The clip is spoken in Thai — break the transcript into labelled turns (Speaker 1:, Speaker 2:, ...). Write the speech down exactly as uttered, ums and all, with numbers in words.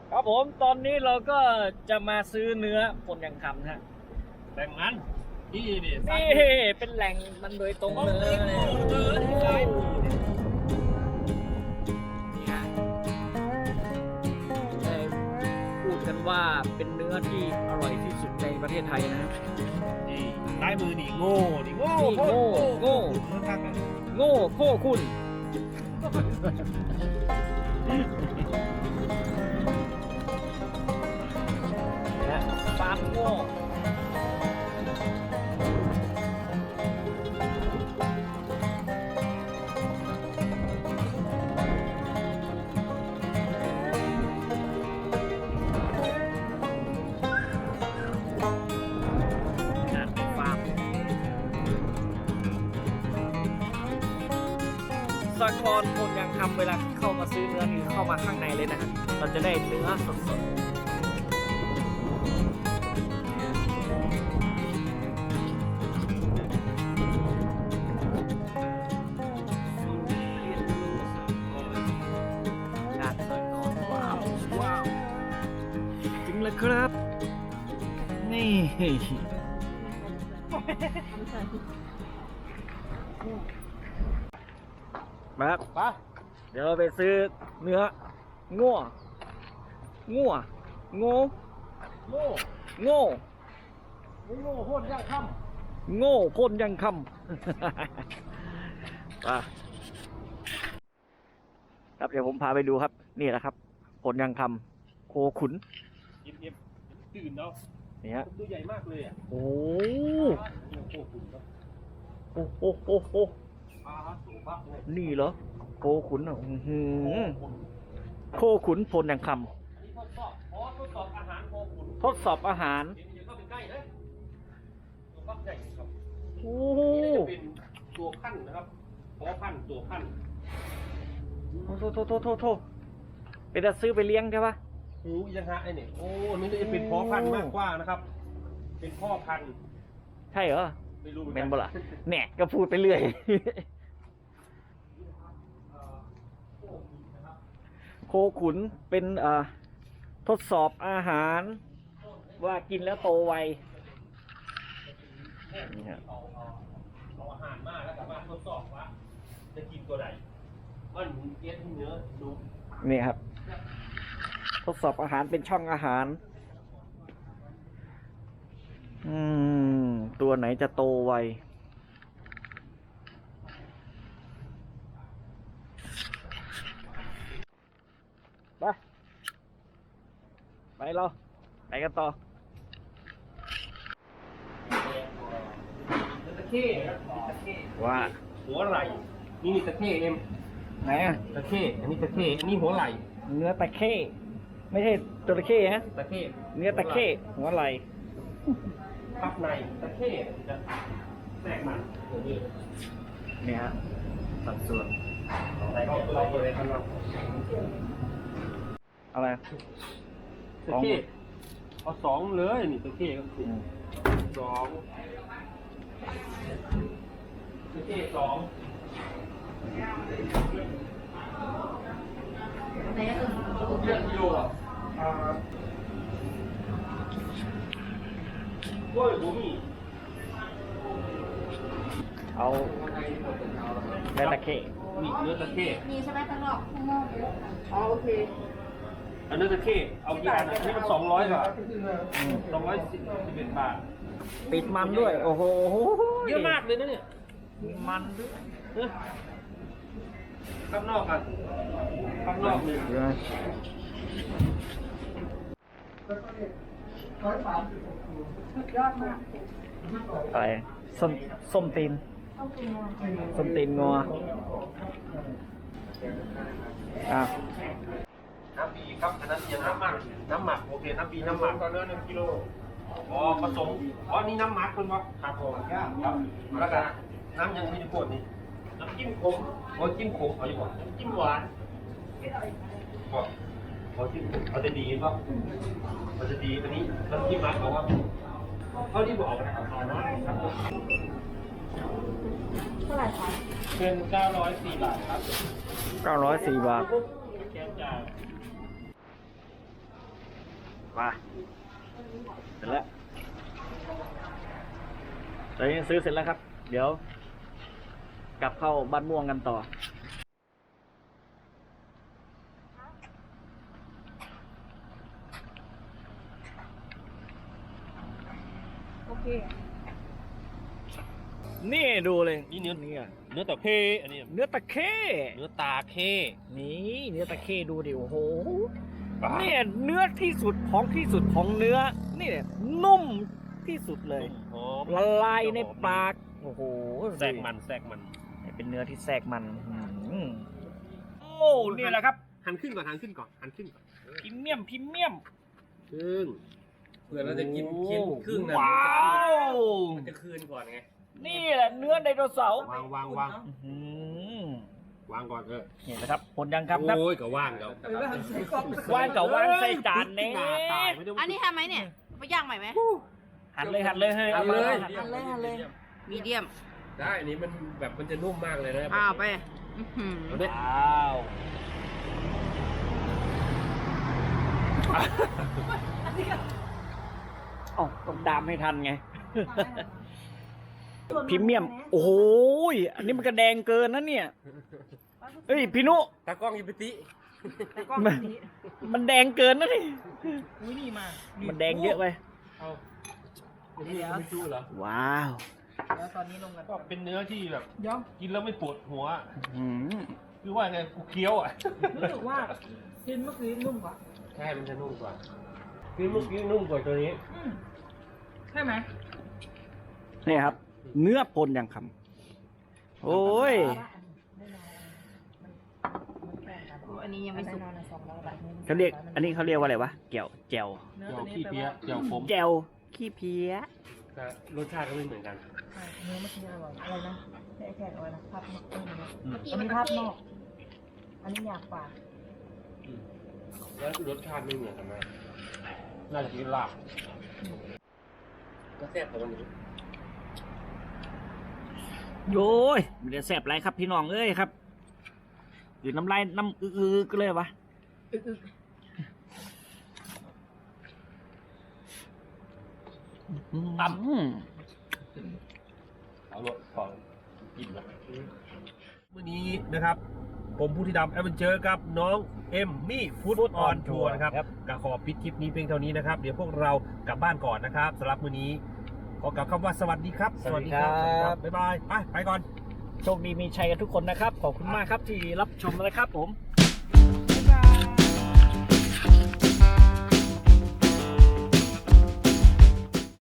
Speaker 1: ครับผมตอนนี้เราก็จะมาซื้อเนื้อพลยังคำนะฮะ
Speaker 2: แบ่งมันนี่นี่
Speaker 1: นี่เป็นแหล่งมันโดยตรงเลย
Speaker 2: เจอที่ขาย
Speaker 1: นี่ฮะได้พูดกันว่าเป็นเนื้อที่อร่อยที่สุดในประเทศไทยนะครับ
Speaker 2: นี่ซ้ายมือนี่โง่นี่โง่
Speaker 1: นี่โง่โง่
Speaker 2: โง่ข้างกัน
Speaker 1: โง่โค้คุณนะฟาร์มโง่นะฟาร์มสากรณ์คนยังทำเวลาเข้ามาซื้อเนื้อนี่เข้ามาข้างในเลยนะฮะเราจะได้เนื้อสดๆงานสากรณ์ว้าวว้าวจริงเลยครับ นี่มาครับ
Speaker 2: ปะ
Speaker 1: เดี๋ยวเราไปซื้อเนื้องัวงัวโง่
Speaker 2: โง่
Speaker 1: โง่
Speaker 2: ไม่โง่โคตรยากค่
Speaker 1: โง่พ่นยังคำ อ่ะครับเดี๋ยวผมพาไปดูครับ นี่แหละครับผลยังคำโคขุน
Speaker 2: ำเย็บๆตื่นเนาะ
Speaker 1: นี่ฮะ
Speaker 2: ตัวใหญ่มากเลยอ่ะ
Speaker 1: โอ้
Speaker 2: โอ้โหคุณครับ
Speaker 1: โอ้โอ้โอ้โอ้
Speaker 2: อาฮะสูงมากเลย
Speaker 1: นี่เหรอโคขุนอ่ะอื้อหือโคขุนผลยังค
Speaker 2: อันนี้ทดสอบอ๋อทดสอบอาหารโคขุน
Speaker 1: ำทดสอบอาหาร
Speaker 2: เดี๋ยวเข้าไปใกล้เลยตัวฟักใหญ่ครับ
Speaker 1: โอ้
Speaker 2: นี่จะเป็นตัวขั้นนะครับพอพันตัวขั้น
Speaker 1: โทษโทษโทษโทษโทษเป็นจะซื้อไปเลี้ยงใช่ปะ
Speaker 2: หูยังฮะไอ้นี่โอ้นี่จะเป็นพ่อพันธุ์มากกว่านะครับ เป็นพ่อพันธุ์
Speaker 1: ใช่เหรอ
Speaker 2: ไม่รู้หมือ
Speaker 1: เม
Speaker 2: กั
Speaker 1: นบ่ล่ะแหนก็พูดไปเรื่อย โคขุนเป็นเอ่อทดสอบอาหาร ว่ากินแล้วโตไวนี่ฮะ
Speaker 2: เอาเอาเอาอาหารมาแล้วสามารถทดสอบว่าจะกินตัวไหนว่าหนูเก็ตเนื้อดู
Speaker 1: นี่ครับ ทดสอบอาหารเป็นช่องอาหาร อืม ตัวไหนจะโตไว ไป ไปเราไปกันต่อ
Speaker 2: ตะเข้ครับตะเข้
Speaker 1: ว่า
Speaker 2: หัวไหล่นี่นี่ตะเข้เอ็ม
Speaker 1: ไหนอะ
Speaker 2: ตะเข้อันนี้ตะเข้อันนี้หัวไหล่
Speaker 1: เนื้อตะเข้ไม่ใช่จระเข้ฮะ
Speaker 2: ตะเข้
Speaker 1: เนื้อตะเข้หัวไหล่
Speaker 2: พับในตะเข้จะแตกมันอย่างนี้
Speaker 1: นี่ฮะสัดส่วน
Speaker 2: ใส่เข้าไปเลยครับ
Speaker 1: อะไร
Speaker 2: ตะเข้เอาสองเลยนี่ตะเข้ก็คือ
Speaker 1: อืม
Speaker 2: สองตะเข้สองเลือดกิโลอ่ะอ่าโอ้ยผมมี
Speaker 1: เอาเนื้อตะเข้
Speaker 2: นี่เนื้อตะเข้
Speaker 3: มีใช่ไหมข้างนอกข้างนอกอ๋อโอเค
Speaker 2: อันเนื้อตะเข้เอากี่อันอ่ะนี่มันสองร้อยบาทสองร้อยสิบสิบเอ็ดบาท
Speaker 1: ติดมันด้วย โอ้โห
Speaker 2: เยอะมากเลยนะเนี่ย
Speaker 1: มันด้วย
Speaker 2: เอ้ยข้างนอกกันข้างนอกเลย
Speaker 1: เยอะอะไรส้มส้มตีน
Speaker 3: ต้องกินนอน
Speaker 1: ส้มตีนงออ่ะ
Speaker 2: น้ำบีครับอันนั้นยังน้ำหมักน้ำหมักโอเคน้ำบีน้ำหมักก็เนื้อหนึ่งกิโลอ๋อผสมอ๋อนี่น้ำหมักคุณวะครับผมครับแล้วกันน้ำยังไม่ได้กดนี่น้ำจิ้มขมโอ้จิ้มขมเอาอยู่ก่อนจิ้มหวานก็เอาจิ้มเอาจะดีป่ะเอาจะดีอันนี้น้ำจิ้มหมักบอกว่าเท่าที่บอกนะครับเอาน้อยครับ
Speaker 3: เท่าไหร่คะ
Speaker 2: เป็นเก้าร้อยสี่บาทครับ
Speaker 1: เก้าร้อยสี่บาท
Speaker 2: แกงจ่าย
Speaker 1: ไปเสร็จแล้วตอนนี้ซื้อเสร็จแล้วครับ เดี๋ยว กลับเข้าบ้านม่วงกันต่อ
Speaker 3: โอเค
Speaker 1: นี่ดูเลย
Speaker 2: นี่เนื้อ
Speaker 1: นี่อะ
Speaker 2: เนื้อตะเคอันนี้
Speaker 1: เนื้อตะเข้
Speaker 2: เนื้อตาเค
Speaker 1: นี่เนื้อตะเข้ดูดิโอ้โหเนี่ยเนื้อที่สุดของที่สุดของเนื้อนี่เนี่ยนุ่มที่สุดเลย
Speaker 2: หอม
Speaker 1: ละลายในปากโอ้โห
Speaker 2: แทรกมันแทรกมัน
Speaker 1: เป็นเนื้อที่แทรกมันอืมโอ้เนี่ยแหละครับ
Speaker 2: หันขึ้นก่อนหันขึ้นก่อนหันขึ้นก่อน
Speaker 1: พรีเมียมพรีเมียม
Speaker 2: ครึ่ง
Speaker 4: เผื่อเราจะกินกินครึ่งนะ
Speaker 1: ว้าว
Speaker 4: มันจะคืนก่อนไง
Speaker 1: นี่แหละเนื้อไดโนเสาร์
Speaker 2: วางวางวาง
Speaker 1: อื้อหือ
Speaker 2: วางก่อนเออ
Speaker 1: นี่แหละครับผลยังครับครับ
Speaker 2: โอ้ยก็ว่างแล้ว
Speaker 1: ว่างกับว่างใส่จานเน่
Speaker 2: ตายไม่ได้
Speaker 3: อันนี้ทำไหมเนี่ยไปย่างใหม่ไหม
Speaker 1: หันเลยหันเลยเฮ้ย
Speaker 4: เอา
Speaker 1: มา
Speaker 4: เลย
Speaker 1: หัน
Speaker 3: หันเลยหันเลย มีเดียม
Speaker 4: ได้อันนี้มันแบบมันจะนุ่มมากเลยนะ
Speaker 3: อ้าวไปอื้อหือ
Speaker 2: เอาดิ
Speaker 1: ว้าวอ๋อต้องดามให้ทันไง พรีเมียม โอ้โหยอันนี้มันกระแดงเกินนะเนี่ย เฮ้ยพี่นุ
Speaker 4: ตากล้องยิปติ
Speaker 1: มันมันแดงเกินนะนี่
Speaker 3: อุ้ยนี่มา
Speaker 1: มันแดงเยอะไป
Speaker 4: เอาเดี๋ยวไม่จู้เหรอ
Speaker 1: ว้าว
Speaker 3: แล้วตอนนี้ลงกัน
Speaker 2: ก็เป็นเนื้อที่แบบ
Speaker 3: ย่อม
Speaker 2: กินแล้วไม่ปวดหัว
Speaker 1: อืม
Speaker 2: คือว่าไงกูเคี้ยวอ่ะ
Speaker 3: รู้สึกว่ากินเมื่อกี้นุ่มกว่า
Speaker 4: ใช่มันจะนุ่มกว่าคือเมื่อกี้นุ่มกว่าตัวนี้
Speaker 3: อืมใช่ไหม
Speaker 1: นี่ครับ เนื้อปนอย่างคำโอ้ย
Speaker 3: อันนี้ยังไม่สุก
Speaker 1: เขาเรียก อันนี้เขาเรียกว่าอะไรวะแก้วแจว
Speaker 2: เจียวขี้เพี้ยเจียวขม
Speaker 1: แจวขี้เพี้ย
Speaker 4: แต่รสชาติก็ไม่เหมือนกัน
Speaker 3: เนื้อเมื่อกี้อร่อยอะไรนะไอ้แขกอะไรนะภาพนอก
Speaker 2: อืม
Speaker 3: อันนี้ภาพนอก อันนี้อยากกว่า
Speaker 4: แล้วรสชาติไม่เหมือนกันไหม
Speaker 2: น่าจะกินลาบ
Speaker 4: ก็แซ่บกว่าวันนี้
Speaker 1: โย้ยมันจะแสบไรครับพี่น้องเอ้ยครับหรือน้ำลายน้ำอื้อๆก็เลยวะ
Speaker 2: ตั้ม
Speaker 1: อืม
Speaker 2: เอารถก่อนกินนะวันนี้นะครับ ผมผู้ที่ดำแอดเวนเจอร์กับน้องเอ็มมี่ฟู้ดออนทัวร์นะครับก็ขอปิดคลิปนี้เพียงเท่านี้นะครับ เดี๋ยวพวกเรากลับบ้านก่อนนะครับสำหรับมื้อนี้ขอกล่าวคำว่าสวัสดีครับ
Speaker 1: สวัสดีครับ
Speaker 2: บ๊ายบายไปไปก่อน
Speaker 1: โชคดีมีชัยกันทุกคนนะครับ ขอบคุณมากครับที่รับชมนะครับผม
Speaker 2: ค